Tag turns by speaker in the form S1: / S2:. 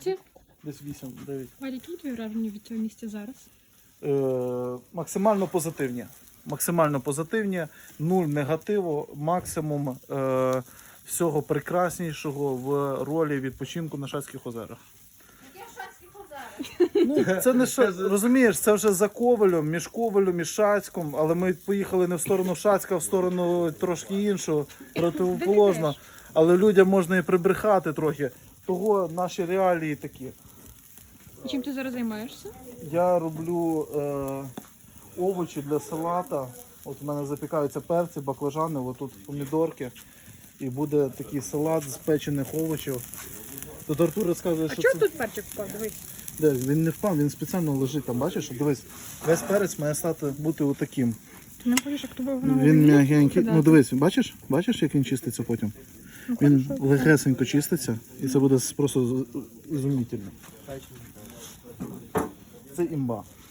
S1: Скільки?
S2: Десь 8-9.
S1: Валя, які твої враження від цього місця зараз?
S2: Максимально позитивні. Максимально позитивні, нуль негативу, максимум всього прекраснішого в ролі відпочинку на Шацьких озерах. Ну, це не розумієш, це вже за Ковелем, між Ковелем і Шацьком, але ми поїхали не в сторону Шацька, а в сторону трошки іншого, противоположно. Але людям можна і прибрехати трохи. Того наші реалії такі.
S1: І чим ти зараз займаєшся?
S2: Я роблю овочі для салата. От у мене запікаються перці, баклажани, отут помідорки. І буде такий салат з печених овочів. Тут Артур розказує,
S1: А
S2: що
S1: чого
S2: це...
S1: тут перчик впав? Дивись.
S2: Де? Він не впав, він спеціально лежить там, бачиш? Дивись, весь перець має бути отаким.
S1: Ти не хочеш, як тобі
S2: Він м'ягенький. Ну дивись, бачиш, як він чиститься потім?
S1: Ну,
S2: Він легесенько чиститься і це буде просто ізумітельно. Це імба.